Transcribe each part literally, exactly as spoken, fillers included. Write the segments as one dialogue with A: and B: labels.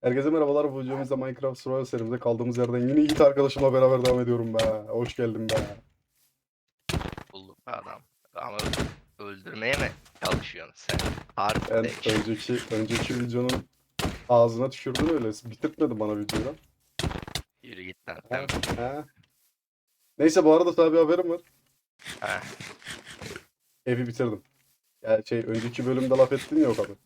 A: Herkese merhabalar. Bu videomuzda Minecraft Survival serimize kaldığımız yerden yine Yiğit arkadaşımla beraber devam ediyorum be. Hoş geldin be.
B: Bulduk be adam. Ama öldürmeye mi çalışıyorsun sen?
A: Ben
B: Kardeş.
A: önceki önceki videonun ağzına tükürdün öyle. Bitirtmedin bana videoyu.
B: Yürü git lan
A: Ha,
B: sen.
A: ha. Neyse bu arada sana bir haberim var.
B: Ha,
A: Evi bitirdim. Yani şey önceki bölümde laf ettin ya o kadar.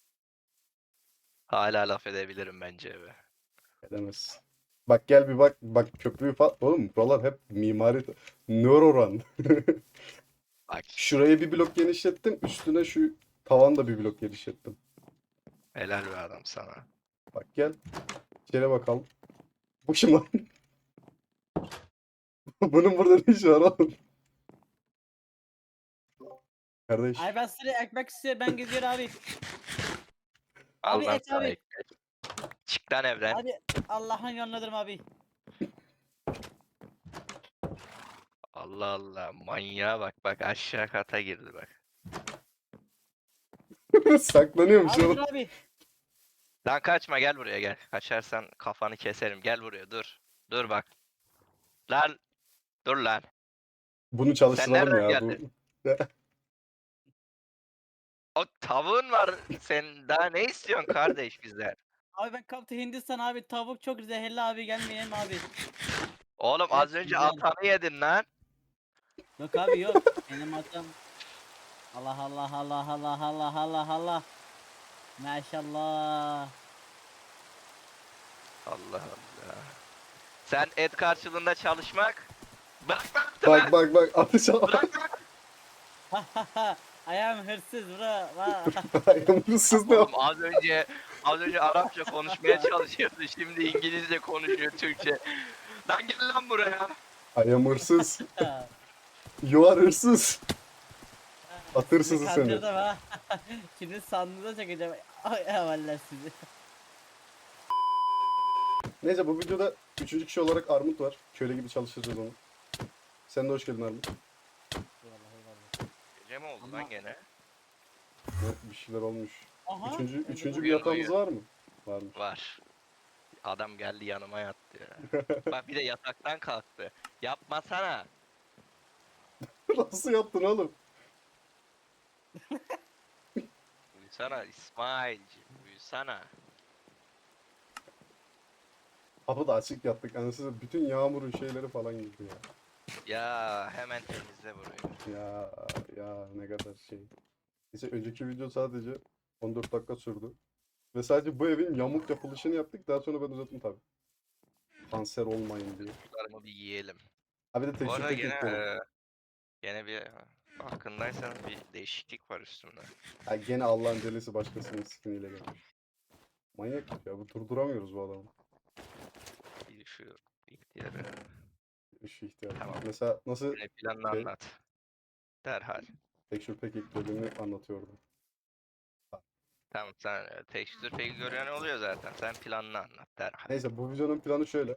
B: hala laf edebilirim bence be.
A: Edemezsin. Bak gel bir bak. Bak köprüyü falan. Oğlum buralar hep mimari. Neuroran.
B: Bak
A: Şuraya bir blok genişlettim. Üstüne şu tavan da bir blok genişlettim.
B: helal be adam sana.
A: Bak gel. İçeri bakalım. Bu kim lan? Bunun burada ne işi var oğlum? Kardeş.
C: Ay ben size ekmek istiyor ben gidiyorum abi.
B: Al
C: Abi
B: lan
C: et
B: sana
C: abi.
B: ekmek. Çık lan evden.
C: Abi Allah'ın yolundadır abi.
B: Allah Allah. Manyağa bak bak aşağı kata girdi bak.
A: Saklanıyormuş
C: Abi dur
A: oğlum.
C: abi.
B: Lan kaçma gel buraya gel. Kaçarsan kafanı keserim. Gel buraya dur. Dur bak. Lan dur lan.
A: Bunu
B: Sen
A: çalıştıralım
B: nereden
A: ya. Bu
B: geldin? O tavuğun var. Sen daha ne istiyorsun kardeş bizden?
C: Abi ben kaptı Hindistan abi tavuk çok zehirli abi gelmeyelim abi.
B: Oğlum
C: Evet
B: az önce
C: güzel.
B: atanı yedin lan.
C: Yok abi yok. Benim atam. Allah Allah Allah Allah Allah Allah Allah. Maşallah.
B: Allah Allah. Sen et karşılığında çalışmak. Bırak bırak
A: bak bak bak atış al.
B: bırak bırak.
C: Ayağım hırsız bura. Va-
A: Ayağımsız ne
B: Oğlum az önce az önce Arapça konuşmaya çalışıyordu. Şimdi İngilizce konuşuyor Türkçe. Lan gel lan buraya.
A: Ayağım hırsız. You are hırsız. At
C: Sizi
A: hırsızı seni.
C: kandırdım ha. Şimdi sandığına çekeceğim. Ay havaller sizi.
A: Neyse bu videoda üçüncü kişi olarak Armut var. Köle gibi çalıştıracağız onu. Sen de hoş geldin Armut.
C: Eyvallah eyvallah.
B: Gece mi oldu
C: Ama-
B: lan gene?
A: Evet, bir şeyler olmuş.
C: Aha.
A: Üçüncü,
C: öldü
A: üçüncü
C: bu.
A: bir
B: Uyuyor,
A: yatağımız
B: uyuyor.
A: var mı? Varmış.
B: Var. Adam geldi yanıma yattı ya. Bak bir de yataktan kalktı. Yapmasana.
A: Nasıl yaptın oğlum?
B: Uyusana İsmail'ci. Uyusana.
A: Kapı da açık yattık. Anasını bütün yağmurun şeyleri falan girdi ya.
B: Ya hemen temizle burayı.
A: Ya ya ne kadar şey. Neyse önceki video sadece on dört dakika sürdü. Ve sadece bu evin yamuk yapılışını yaptık. Daha sonra ben uzattım tabii. Kanser olmayın diye.
B: Çocuklarımı bir yiyelim.
A: Abi de
B: Bu
A: tekstür
B: arada
A: pek
B: gene
A: ekledim.
B: e, gene bir farkındaysanız bir değişiklik var üstümde.
A: Ha gene Allah'ın delisi başkasının skiniyle gelmiş. Manyak ya bu durduramıyoruz bu adamı.
B: Bir şu ihtiyarı.
A: Şu ihtiyacı.
B: Tamam.
A: Mesela nasıl
B: Ne planını
A: şey,
B: anlat. Derhal.
A: tekstür pek eklediğini anlatıyordu.
B: Tamam sen e, tekstür peki gören oluyor zaten. Sen planını anlat derhal.
A: Neyse bu videonun planı şöyle.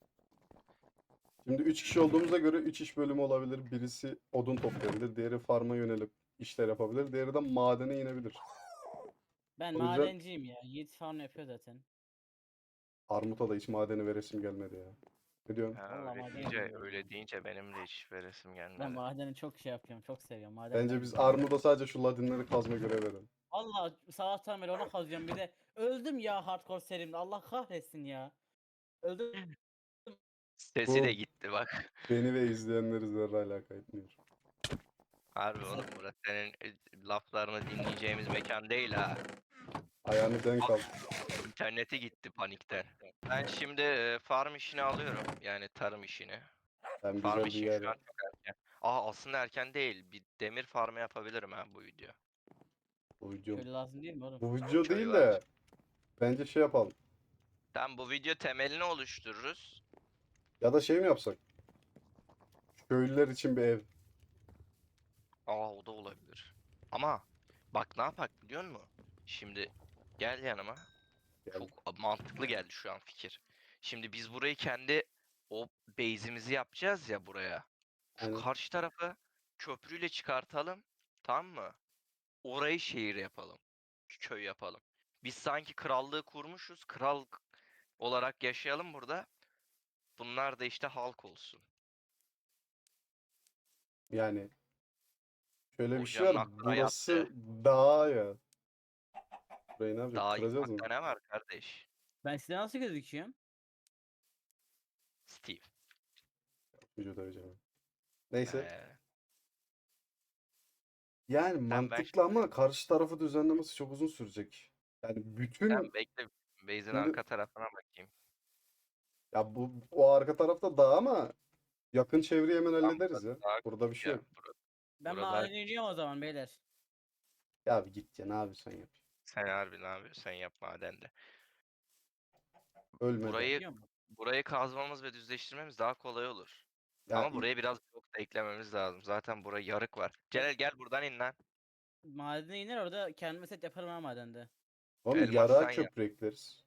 A: Şimdi üç kişi olduğumuza göre üç iş bölümü olabilir. Birisi odun toplayabilir, diğeri farma yönelip işler yapabilir, diğeri de madene inebilir.
C: Ben
A: O yüzden-
C: madenciyim ya. Yiğit falan yapıyor zaten.
A: Armut'a da hiç madeni veresim gelmedi ya. Ne diyorsun?
B: Ha,
C: Vallahi
B: öyle
C: maden
B: deyince,
C: yapıyorum
B: öyle
C: ya.
B: deyince benim de hiç veresim
C: Ben
B: gelmedi.
C: madeni çok şey yapıyorum. Çok seviyorum. Maden
A: Bence
C: benim
A: biz
C: ya.
A: Armut'a sadece şu ladinleri kazma görev verelim.
C: Allah sabahtan beri ona kazıyorum bir de. Öldüm ya hardcore serimde. Allah kahretsin ya. Öldüm.
B: Sesi
A: Bu
B: de gitti bak.
A: beni ve izleyenleri zerre alaka etmiyor.
B: Harbi oğlum burası senin e, laflarını dinleyeceğimiz mekan değil ha.
A: Ayağını denk al.
B: İnterneti gitti panikten. Ben şimdi e, farm işini alıyorum. Yani tarım işini.
A: Ben
B: Farm
A: güzel bir
B: için
A: yer
B: şu an
A: yap.
B: çok erken. Aa aslında erken değil. Bir demir farmı yapabilirim ha bu video.
A: Bu video.
C: Köylü lazım değil mi oğlum?
A: Bu video
B: Köy
A: değil
B: var.
A: de bence şey yapalım.
B: Tamam bu video temelini oluştururuz.
A: Ya da şey mi yapsak? Köylüler için bir ev.
B: Aa o da olabilir. Ama bak ne yapak biliyor musun? Şimdi gel yanıma.
A: Gel.
B: Çok mantıklı geldi şu an fikir. Şimdi biz burayı kendi o base'imizi yapacağız ya buraya. Şu
A: Aynen.
B: karşı tarafı köprüyle çıkartalım. Tamam mı? Orayı şehir yapalım. Köy yapalım. Biz sanki krallığı kurmuşuz. Kral olarak yaşayalım burada. Bunlar da işte halk olsun.
A: Yani şöyle bir şey
B: Hocanın
A: var.
B: aklına
A: Burası
B: yattı.
A: dağ ya. Burayı ne yapacak?
B: Daha
A: Kıracağız mı?
B: yıkmakta ne var kardeş?
C: Ben size nasıl gözüküyorum?
B: Steve.
A: Vücut döveceğim. Neyse.
B: Ee,
A: Yani
B: sen ben
A: mantıklı ama karşı tarafı düzenlemesi çok uzun sürecek. Yani
B: sen
A: bütün
B: bekle. Base'in
A: şimdi
B: arka tarafına bakayım.
A: ya bu o arka tarafta dağ ama yakın çevreyi hemen
B: Tam
A: hallederiz
B: burası
A: ya.
B: daha
A: Burada bir
B: küçük
A: şey
B: ya.
A: yok.
B: Burada,
C: Ben
B: burada daha
C: madene iniyorum o zaman beyler.
A: Ya bir git ya ne yapıyorsun yap.
B: sen harbi ne yapıyorsun? Sen yap madende.
A: Ölmeden.
B: Burayı
C: Biliyor musun?
B: burayı kazmamız ve düzleştirmemiz daha kolay olur.
A: Ya
B: Ama
A: i-
B: buraya biraz blok da eklememiz lazım. Zaten buraya yarık var. Celal gel buradan in lan.
C: Madene iner orada kendime set yaparım ha madende.
A: oğlum yarağa
B: Elmastan yap.
A: köprü ekleriz.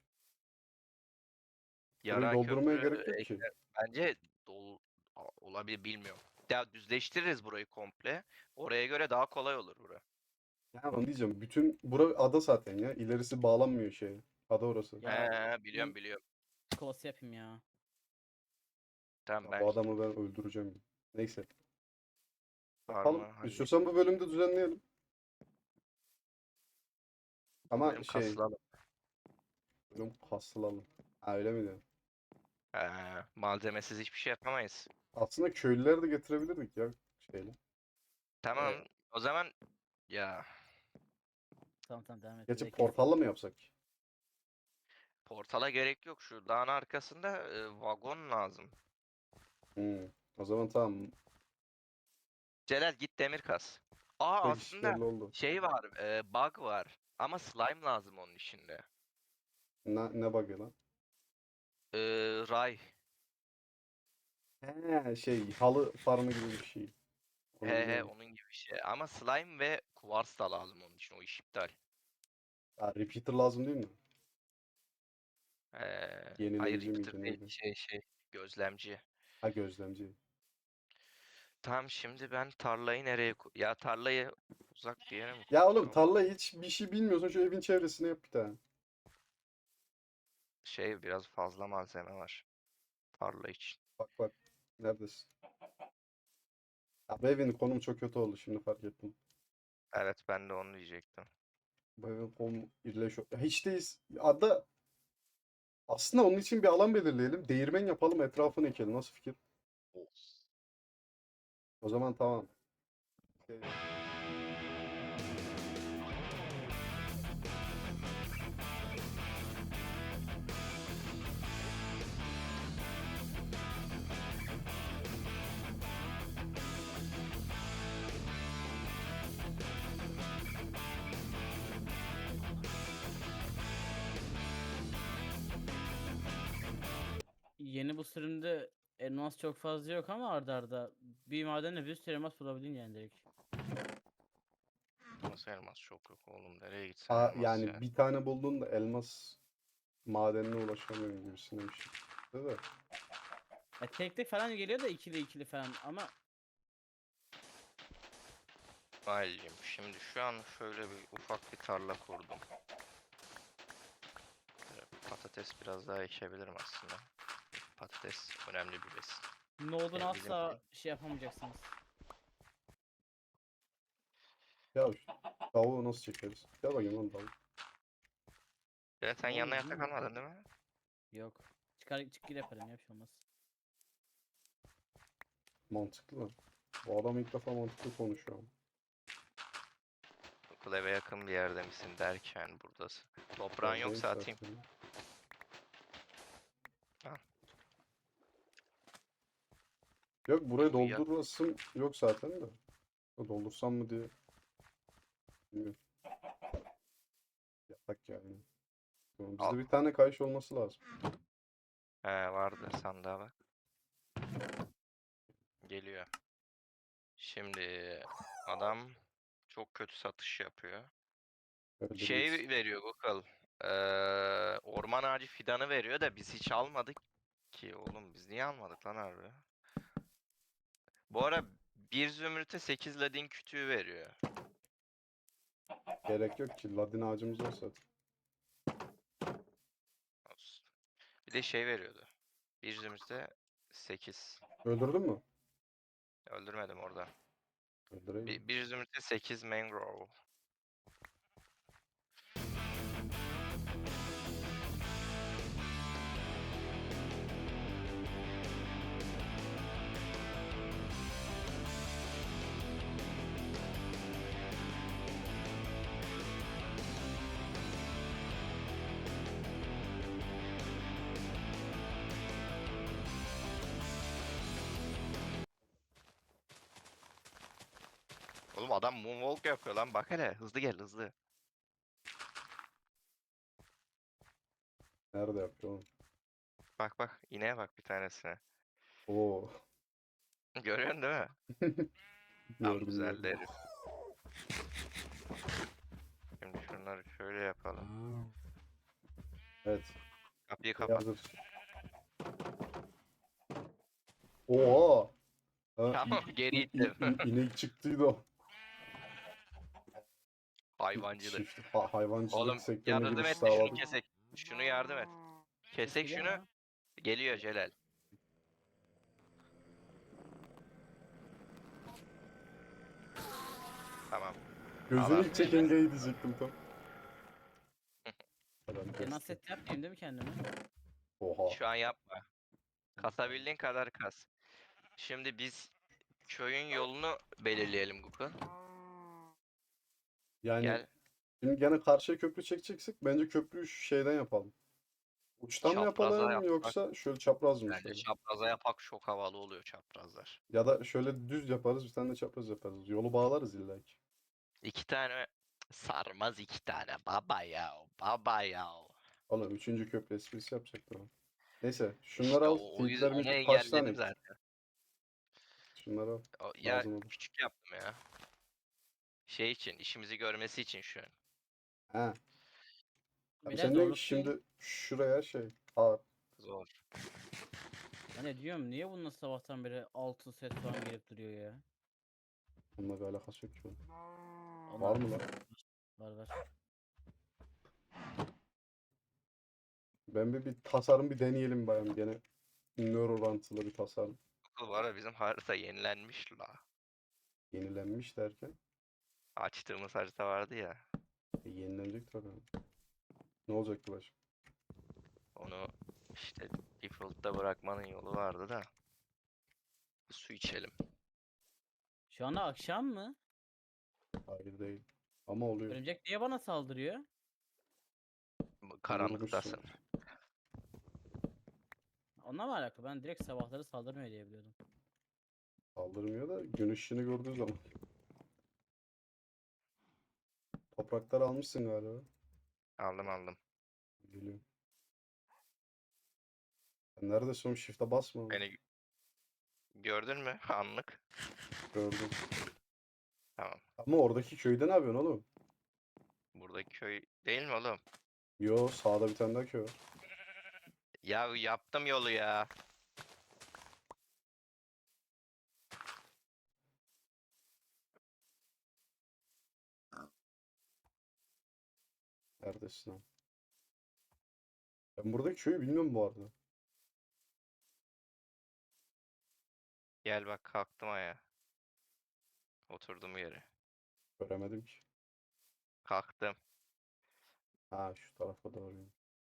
A: Burayı
B: Yara
A: doldurmaya
B: köprü
A: gerek yok ki.
B: ekle. Bence dolu a- olabilir bilmiyorum. Ya düzleştiririz burayı komple. Oraya göre daha kolay olur bura.
A: Ya onu diyeceğim. Bütün bura ada zaten ya. İlerisi bağlanmıyor şeye. Ada orası.
C: Ya
B: He biliyorum
C: in
B: biliyorum.
C: kolası yapayım ya.
B: Tamam
A: Ya
B: ben
A: bu adamı ben öldüreceğim. Neyse.
B: farmı
A: Yapalım.
B: halledeyim.
A: İstiyorsan bu bölümde düzenleyelim.
B: Bu
A: Ama
B: bölüm
A: şey
B: kasılalım.
A: bölüm kasılalım. Ha öyle mi diyorsun?
B: He, malzemesiz hiçbir şey yapamayız.
A: Aslında köylüleri de getirebilirdik ya şeyle.
B: Tamam.
A: Ee,
B: O zaman ya
C: Tamam tamam devam et.
A: Gerçi
C: Burayı kes.
A: portalla mı yapsak?
B: portala gerek yok. Şu dağın arkasında e, vagon lazım.
A: Hmm. O zaman tamam.
B: Celal git demir kas. Aa
A: Bu iş
B: aslında
A: belli oldu.
B: şey var, e, bug var. Ama slime lazım onun içinde.
A: Ne, ne bug'ı lan?
B: E, ray.
A: He şey halı farmı gibi bir şey. Onu
B: He he
A: biliyorum.
B: onun gibi bir şey. Ama slime ve kuvars da lazım onun için. O iş iptal.
A: Ya, repeater lazım değil mi?
B: Ee, hayır
A: Yenileyici
B: repeater
A: miydi
B: değil.
A: neydi?
B: Şey şey gözlemci.
A: Ha gözlemci.
B: Tamam şimdi ben tarlayı nereye koy... Ya tarlayı uzak bir yere mi
A: Ya oğlum
B: koysam?
A: tarla hiç bir şey bilmiyorsan şu evin çevresine yap bir tane.
B: Şey biraz fazla malzeme var. Tarla için.
A: Bak bak. Neredesin? Ya bu evin konumu çok kötü oldu şimdi fark ettim.
B: Evet ben de onu diyecektim.
A: Bu evin konumu irleşiyor. Ya hiç değiliz. Ada aslında onun için bir alan belirleyelim. Değirmen yapalım etrafını ekelim. Nasıl fikir? O zaman tamam. Şey,
C: Yeni bu sürümde elmas çok fazla yok ama arda arda bir madenle bir sürü elmas bulabildin yani direkt.
B: Nasıl elmas çok yok oğlum. Nereye gitsen
A: a-
B: elmas ya.
A: yani bir tane buldun da elmas madenine ulaşamıyorum gibisinden bir şey. Değil mi?
C: Ya tek tek falan geliyor da ikili ikili falan ama
B: Aileyim. Şimdi şu an şöyle bir ufak bir tarla kurdum. Böyle patates biraz daha ekebilirim aslında. Patates önemli bir besin.
C: ne olduğunu
B: Yani bizim
C: asla şey yapamayacaksınız.
A: Ya şu tavuğu nasıl çekeriz? Gel bakayım lan tavuk.
B: Ya sen
C: Ne
B: yanına
C: oldu, değil
B: yatak
C: mi?
B: almadın değil mi?
C: Yok. Çıkar çık gir yaparım ya bir şey olmaz.
A: Mantıklı lan. Bu adam ilk defa mantıklı konuşuyor ama.
B: Okul eve yakın bir yerde misin derken buradasın. Toprağın
A: Oradayım
B: yoksa atayım.
A: zaten.
B: Al.
A: Yok burayı
B: Şu yak-
A: doldurasım yok zaten de. Doldursam mı diye. Bilmiyorum. Yatak yani. Tamam,
B: Al.
A: bizde bir tane kayış olması lazım.
B: He vardı sandığa bak. Geliyor. Şimdi adam çok kötü satış yapıyor.
A: Öyle
B: Şey
A: bir
B: veriyor Gokal. Eee orman ağacı fidanı veriyor da biz hiç almadık ki oğlum biz niye almadık lan harbi? Bu ara bir zümrüte sekiz ladin kütüğü veriyor.
A: gerek yok ki. Ladin ağacımız var zaten.
B: Bir de şey veriyordu. Bir zümrüte sekiz.
A: Öldürdün mü?
B: Öldürmedim orada.
A: Öldüreyim.
B: Bir, bir zümrüte sekiz mangrove. Oğlum adam moonwalk yapıyor lan, bak hele, hızlı gel hızlı.
A: Nerede yapıyor oğlum?
B: Bak bak, ineğe bak bir tanesine.
A: Oo.
B: Görüyorsun değil mi? Tam
A: Gördüm
B: güzeldi
A: gördüm.
B: herif. Şimdi şunları şöyle yapalım.
A: Evet.
B: Kapıyı
A: Şey
B: kapat.
A: hazır. Oha. Ha,
B: Tamam,
A: i-
B: geri
A: i- i-
B: ittim.
A: i- inek çıktıydı o.
B: Hayvancılık.
A: Çift ha- hayvancılık
B: Oğlum
A: sektörüne
B: yardım
A: giriş
B: et de şunu
A: sağladık.
B: kesek. Şunu yardım et. Kesek
C: Geliyor
B: şunu.
C: mu?
B: Geliyor Celal. Tamam.
A: Gözünü
B: Al
A: ilk çeken gay diyecektim tam. Adam
C: Elmas
A: kesti.
C: set yapmayayım değil mi kendime?
A: Oha.
B: Şu an yapma. Kasabildiğin kadar kas. Şimdi biz köyün yolunu belirleyelim Gukul.
A: Yani
B: Gel.
A: şimdi gene karşıya köprü çekeceksek bence köprüyü şu şeyden yapalım. Uçtan mı
B: Çapraza
A: yapalım
B: yapsak.
A: yoksa şöyle çapraz mı
B: Bence
A: şöyle?
B: çapraza yapak, çok havalı oluyor çaprazlar.
A: Ya da şöyle düz yaparız bir tane de çapraz yaparız. Yolu bağlarız illa ki.
B: İki tane sarmaz, iki tane baba ya, baba ya.
A: Oğlum üçüncü köprü esprisi yapacaktım ama. Neyse şunları
B: İşte
A: al.
B: o, o yüzden
A: Tilkiler
B: onu
A: milkler kaç tane
B: engelledim
A: ektik?
B: zaten.
A: Şunları al.
B: O, ya
A: Lazım olur.
B: küçük yaptım ya. Şey için, işimizi görmesi için şu an.
A: He. Abi
C: Biraz
A: sen diyorsun ki
C: zorluk değil.
A: şimdi şuraya şey. Aa,
B: Zor.
C: Ben ne diyorum, niye bununla sabahtan beri altı set falan gelip duruyor ya?
A: onunla bir alakası yok ki oğlum.
C: Onlar
A: Var mı lan?
C: Var var.
A: Ben bir, bir tasarım bir deneyelim bayım. Gene nör orantılı bir tasarım.
B: Bu var ya, bizim harita yenilenmiş la.
A: Yenilenmiş derken.
B: Açtığımız harita vardı ya.
A: E, yenilenecek tabii. Ne olacak ki başka?
B: Onu işte default'ta bırakmanın yolu vardı da. Su içelim.
C: Şu anda akşam mı?
A: Hayır değil. Ama oluyor.
C: Örümcek niye bana saldırıyor?
B: Karanlıktasın.
A: Vurmuşsun.
C: Onunla mı alakalı? Ben direkt sabahları saldırmıyor diye biliyordum.
A: Saldırmıyor da gün ışığını gördüğü zaman. Toprakları almışsın galiba.
B: Aldım aldım.
A: Geliyorum. Sen neredesin oğlum? Shift'e basma oğlum.
B: Beni gördün mü? Anlık.
A: Gördüm.
B: Tamam.
A: Ama oradaki köyde ne yapıyorsun oğlum?
B: Buradaki köy değil mi oğlum?
A: Yo sağda bir tane daha köy var.
B: Ya yaptım yolu ya.
A: Neredesin lan? Ben buradaki köyü bilmiyorum bu arada.
B: Gel bak, kalktım ayağa. Oturdum yere.
A: Göremedim ki.
B: Kalktım.
A: Ha şu tarafa doğru.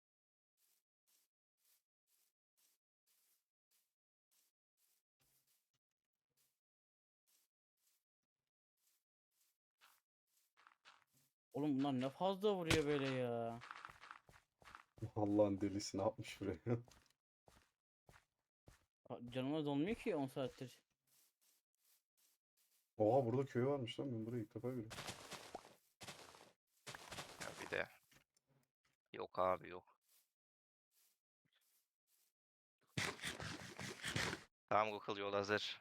C: Oğlum bunlar ne fazla vuruyor böyle ya.
A: Allah'ın delisi ne yapmış buraya?
C: Ha, canıma dolmuyor ki on saattir.
A: Oha burada köy varmış lan ben burayı ilk defa görüyorum.
B: Ya bir de. Yok abi yok. Tamam Google, yol hazır.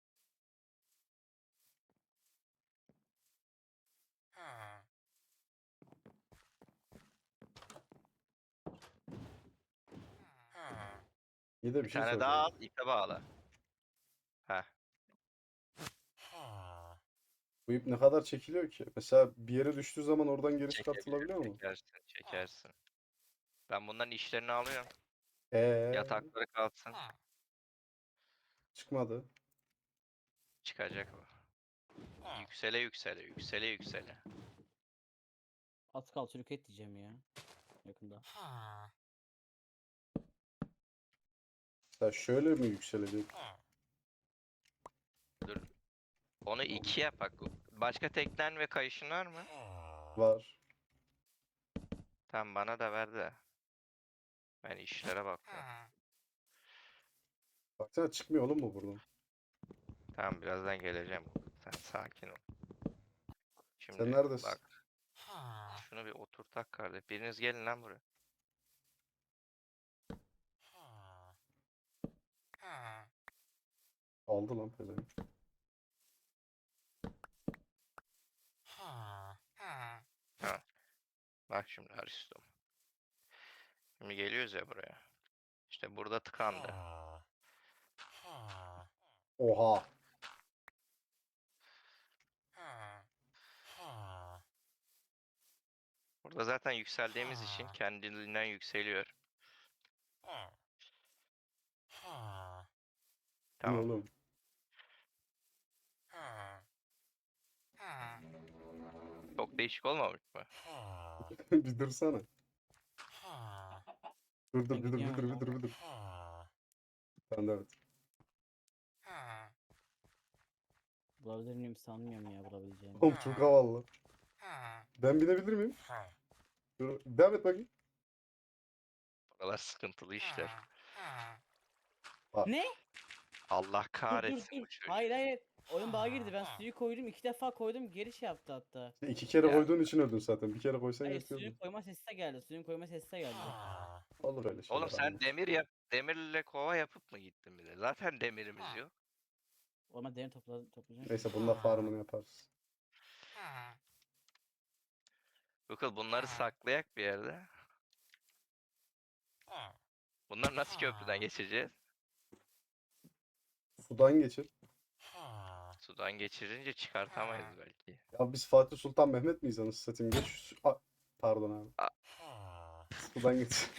A: İyi de bir
B: Bir
A: şey
B: tane daha al,
A: soracağım.
B: ipe bağla. Heh.
A: Bu ip ne kadar çekiliyor ki? Mesela bir yere düştüğü zaman oradan geri
B: Çekebilirsin,
A: çıkartılabiliyor mu?
B: çekersin, çekersin. Ben bunların işlerini alıyorum.
A: Ee,
B: Yatakları kalsın.
A: çıkmadı.
B: Çıkacak o. Yüksele yüksele yüksele yüksele.
C: Az kal çürük et diyeceğim ya. Yakında.
A: Ya şöyle mi yükselecek?
B: Dur. Onu iki yap bak. Başka teknen ve kayışın var mı?
A: Var.
B: Tamam bana da ver de. Ben işlere bakıyorum.
A: Baksana çıkmıyor oğlum mu buradan?
B: Tamam birazdan geleceğim. Sen sakin ol.
A: Sen
B: Şimdi
A: neredesin?
B: bak. Şunu bir oturtak kardeş. Biriniz gelin lan buraya.
A: Aldı lan pezevenk.
B: Ha. Bak şimdi Aristom. Şimdi geliyoruz ya buraya. İşte burada tıkandı.
A: Oha.
B: Burada zaten yükseldiğimiz için kendiliğinden yükseliyor.
A: Ne
B: Tamam.
A: oğlum?
B: Çok değişik olmamış mı?
A: Bir dursana. Dur dur
C: Ben
A: bir dur bir
C: gidiyorum
A: dur bir
C: ya.
A: dur bir dur. Ben de evet.
C: Bulabilir miyim sanmıyorum ya bulabileceğimi.
A: Oğlum çok havalı. Ben binebilir miyim? Dur, devam et bakayım.
B: Buralar sıkıntılı işler.
C: Ne?
B: Allah
C: Dur dur
B: kahretsin
C: dur.
B: bu çocuğu.
C: Hayır hayır. Oyun bağa girdi. Ben suyu koydum. iki defa koydum. Geri şey yaptı hatta.
A: İşte iki kere
B: Ya.
A: koyduğun için öldün zaten. Bir kere koysan
C: Hayır
A: yetiyordun.
C: suyun koyma sesi de geldi. Suyun koyma sesi de geldi.
A: Olur öyle şeyler.
B: Oğlum sen
A: anlat.
B: demir yap, demirle kova yapıp mı gittin bir de? Zaten demirimiz yok.
C: Orman derin topla toplayacağım.
A: Neyse bununla farmını yaparız.
B: Bakın bunları saklayak bir yerde. Bunlar nasıl köprüden geçeceğiz?
A: Sudan geçir.
B: Sudan geçirince çıkartamayız belki.
A: Ya biz Fatih Sultan Mehmet miyiz anasını satayım? Geç şu... su- A- Pardon abi.
B: A-
A: Sudan geç.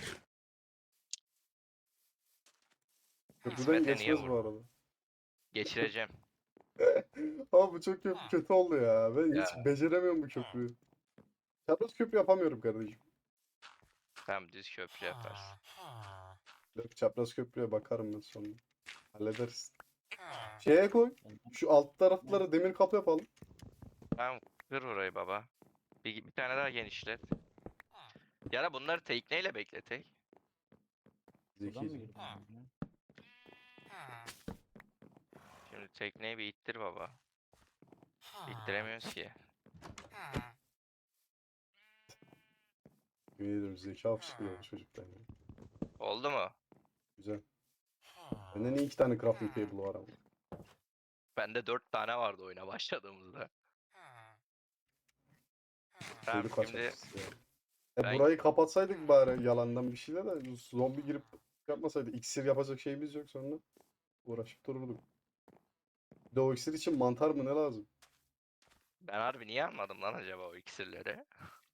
A: Köprüden
B: İsmet'e niye
A: geçmez bu
B: vurdun?
A: arada.
B: Geçireceğim.
A: Ama bu çok kötü, kötü oldu ya. Ben
B: Ya.
A: hiç beceremiyorum bu köprüyü. Çapraz köprü yapamıyorum kardeşim.
B: Tamam düz köprü yaparsın.
A: Yok, çapraz köprüye bakarım ben sonra. Hallederiz. Şeye koy. Şu alt taraflara demir kapı yapalım.
B: Tamam kır orayı baba. Bir, bir tane daha genişlet. Ya da bunları tekneyle bekletek.
C: Buradan mı
A: Zekice.
C: girdi? ya?
B: Şimdi tekneyi bir ittir baba. İttiremiyoruz ki.
A: Yemin ediyorum zeka fışkırıyor bu çocuktan ya.
B: Oldu mu?
A: Güzel. Bende niye iki tane crafting table var ama.
B: Bende dört tane vardı oyuna başladığımızda. Tamam
A: Çocuk
B: şimdi
A: kaçakçısı ya. E
B: ben-
A: burayı kapatsaydık bari yalandan bir şeyle de zombi girip yapmasaydı. İksir yapacak şeyimiz yok sonra. Uğraşıp dururduk. Bir de o iksir için mantar mı ne lazım?
B: ben harbi niye almadım lan acaba o iksirleri?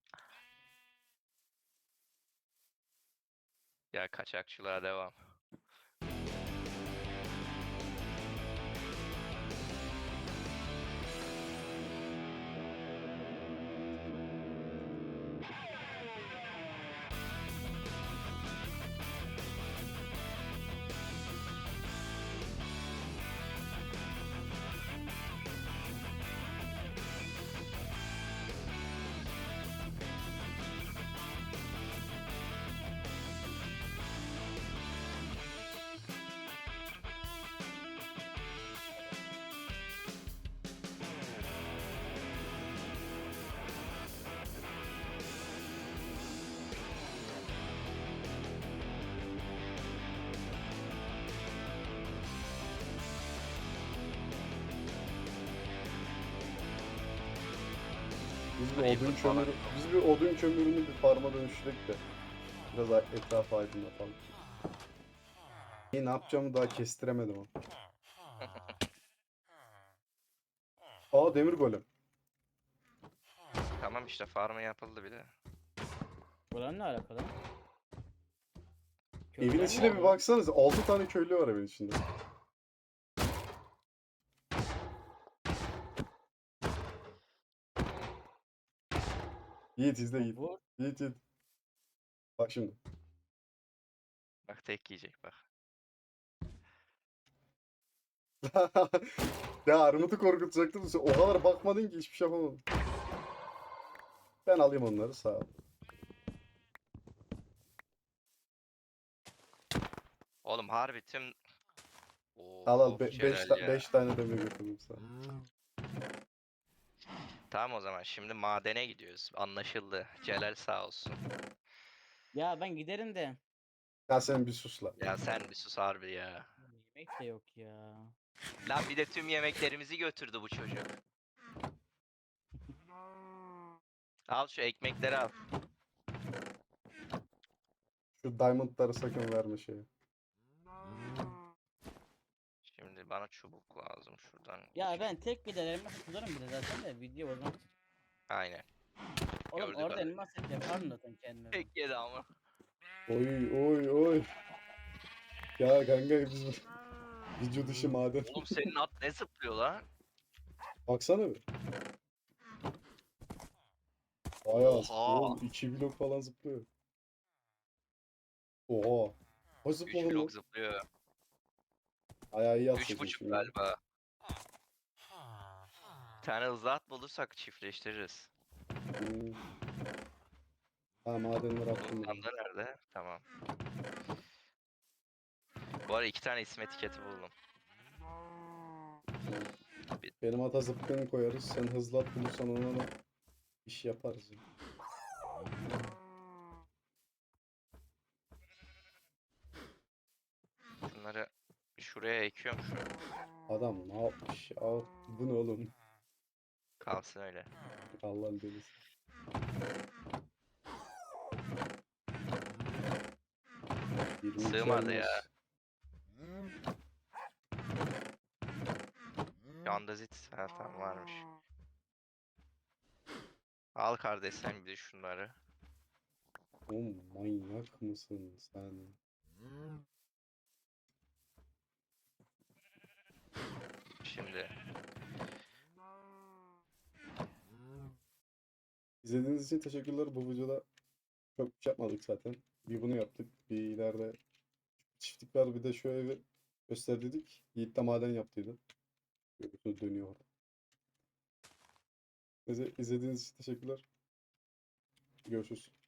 B: Ya kaçakçılığa devam.
A: Biz bir
B: Ayıp
A: odun
B: falan.
A: kömürü, biz bir odun kömürünü bir farma dönüştürek de biraz a- etrafı aydınlatalım. İyi, ne yapacağımı daha kestiremedim ama. Aa demir golem.
B: Tamam işte farmı yapıldı bir de.
C: Buranın ne alakalı?
A: Evin
C: Köyden
A: içine
C: mi?
A: bir baksanıza. altı tane köylü var evin içinde. Yiğit izle Yiğit.
C: Vur.
A: Yiğit Yiğit. Bak şimdi.
B: Bak tek yiyecek bak.
A: Ya Armut'u korkutacaktım. Sen o kadar bakmadın ki hiçbir şey yapamadın. Ben alayım onları sağ ol.
B: Oğlum harbi tüm...
A: Al al
B: Oo,
A: 5
B: Celal ya.
A: tane demir götürdüm sana.
B: Tamam o zaman şimdi madene gidiyoruz. Anlaşıldı. Celal sağ olsun.
C: Ya ben giderim de.
A: Ya sen bir sus lan.
B: Ya sen bir sus harbi ya.
C: Yemek de yok ya.
B: Lan bir de tüm yemeklerimizi götürdü bu çocuk. Al şu ekmekleri al.
A: Şu diamondları sakın verme şeye.
B: Şimdi bana çubuk lazım şuradan.
C: Ya ben tek giderim tutarım bir de zaten de video o zaman.
B: Aynen.
C: Oğlum
B: Gördük
C: orada
B: abi.
C: elmas set yaparım zaten kendime. ben.
B: Tek yedi ama.
A: Oy oy oy. Ya kanka biz bu- video dışı maden.
B: Oğlum senin at ne zıplıyor lan?
A: Baksana bir. Bayağı
B: Oha.
A: oğlum iki blok falan zıplıyor. Oha. O
B: üç
A: zıpladı mı?
B: blok zıplıyor.
A: Ayağı iyi
B: üç
A: atsaydın
B: buçuk
A: şimdi.
B: galiba. Bir tane hızlı at bulursak çiftleştiririz.
A: Hmm. Ha madenleri attım.
B: Bunun
A: ben.
B: sandığı nerede? Tamam. Bu arada iki tane isim etiketi buldum.
A: Benim ata zıpkını koyarız. Sen hızlı at bulursan ona da iş yaparız. ya.
B: Şunları şuraya ekiyorum şu.
A: Adam ne yapmış ya? Bu ne oğlum?
B: Kalsın öyle.
A: Allah'ın delisi. yirmi iki
B: Sığmadı
A: elmas.
B: ya. Yandazit. Ha tamam varmış. Al kardeş sen bir de şunları.
A: Oğlum manyak mısın sen?
B: Şimdi.
A: İzlediğiniz için teşekkürler. Bu videoda çok bir şey yapmadık zaten. Bir bunu yaptık. Bir ileride çiftlik var. Bir de şu evi gösterdiydik. Yiğit de maden yaptıydı. Böyle dönüyor. Neyse izlediğiniz için teşekkürler. Görüşürüz.